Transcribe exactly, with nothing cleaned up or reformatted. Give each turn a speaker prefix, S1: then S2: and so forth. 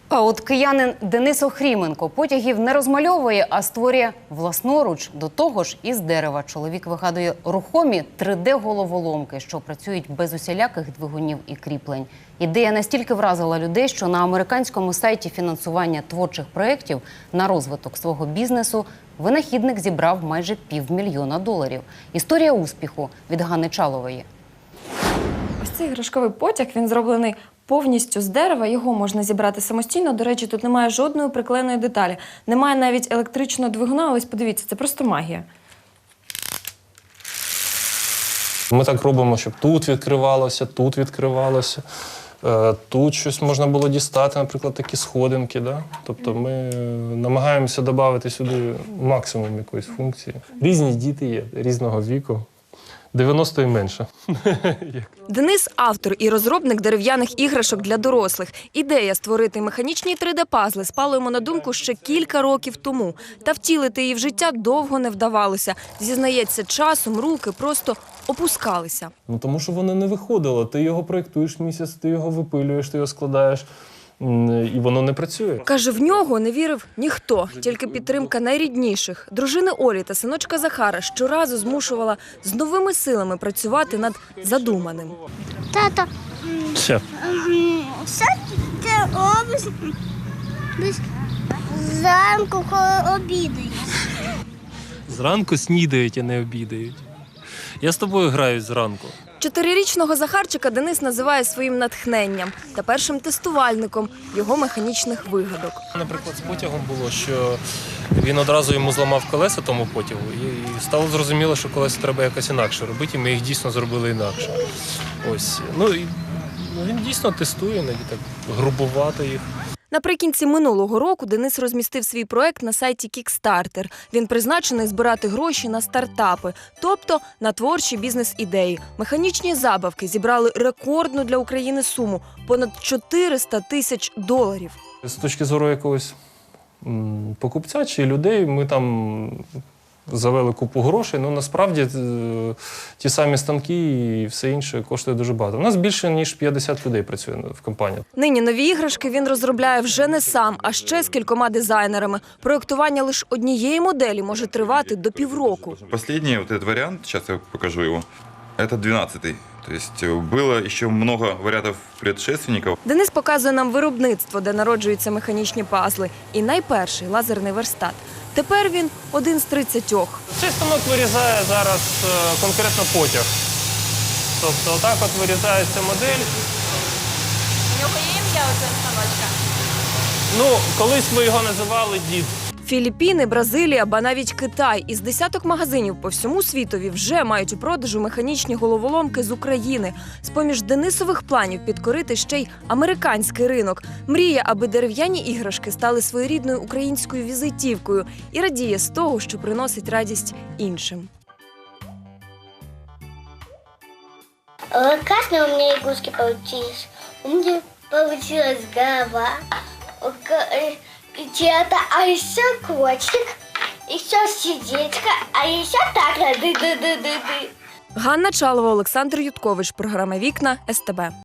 S1: А от киянин Денис Охріменко потягів не розмальовує, а створює власноруч. До того ж, із дерева чоловік вигадує рухомі три де-головоломки, що працюють без усіляких двигунів і кріплень. Ідея настільки вразила людей, що на американському сайті фінансування творчих проєктів на розвиток свого бізнесу винахідник зібрав майже півмільйона доларів. Історія успіху від Ганни Чалової.
S2: Ось цей іграшковий потяг, він зроблений повністю з дерева, його можна зібрати самостійно. До речі, тут немає жодної приклеєної деталі. Немає навіть електричного двигуна, ось подивіться, це просто магія.
S3: Ми так робимо, щоб тут відкривалося, тут відкривалося, тут щось можна було дістати, наприклад, такі сходинки. Да? Тобто ми намагаємося додати сюди максимум якоїсь функції. Різні діти є, різного віку. дев'яносто і менше.
S2: Денис – автор і розробник дерев'яних іграшок для дорослих. Ідея створити механічні три де-пазли спала йому на думку ще кілька років тому. Та втілити її в життя довго не вдавалося. Зізнається, часом руки просто опускалися.
S3: Ну, тому що воно не виходило. Ти його проєктуєш місяць, ти його випилюєш, ти його складаєш. І воно не працює.
S2: Каже, в нього не вірив ніхто, тільки підтримка найрідніших. Дружини Олі та синочка Захара щоразу змушувала з новими силами працювати над задуманим.
S4: Тато,
S3: Все.
S4: що ти робиш зранку, коли обідаєш?
S3: Зранку снідають, а не обідають. Я з тобою граю зранку.
S2: Чотирирічного Захарчика Денис називає своїм натхненням та першим тестувальником його механічних вигадок.
S3: Наприклад, з потягом було, що він одразу йому зламав колеса тому потягу, і стало зрозуміло, що колеса треба якось інакше робити, і ми їх дійсно зробили інакше. Ось. Ну, і він дійсно тестує, іноді так грубувати їх.
S2: Наприкінці минулого року Денис розмістив свій проект на сайті Kickstarter. Він призначений збирати гроші на стартапи, тобто на творчі бізнес-ідеї. Механічні забавки зібрали рекордну для України суму – понад чотириста тисяч доларів.
S3: З точки зору якогось м, покупця чи людей, ми там завели купу грошей, ну насправді е, ті самі станки і все інше коштує дуже багато. У нас більше, ніж п'ятдесят людей працює в компанії.
S2: Нині нові іграшки він розробляє вже не сам, а ще з кількома дизайнерами. Проєктування лише однієї моделі може тривати до півроку.
S5: Последний вот этот вариант, сейчас я покажу его, это двенадцатый. То есть было еще много вариантов предшественников.
S2: Денис показує нам виробництво, де народжуються механічні пазли. І найперший лазерний верстат. Тепер він один з тридцятьох.
S3: Цей станок вирізає зараз е, конкретно потяг. Тобто отак от вирізається модель.
S2: У нього є ім'я у цього станочка?
S3: Ну, колись ми його називали «Дід».
S2: Філіппіни, Бразилія, ба навіть Китай. Із десяток магазинів по всьому світові вже мають у продажу механічні головоломки з України. З-поміж Денисових планів підкорити ще й американський ринок. Мріє, аби дерев'яні іграшки стали своєрідною українською візитівкою. І радіє з того, що приносить радість іншим.
S4: Классно у меня игрушки получились. У меня получилась голова, чья-то, а еще котик, еще сердечко, а еще так. Ды-ды-ды-ды-ды.
S2: Ганна Чалова, Олександр Юткович. Програма «Вікна» ес те бе.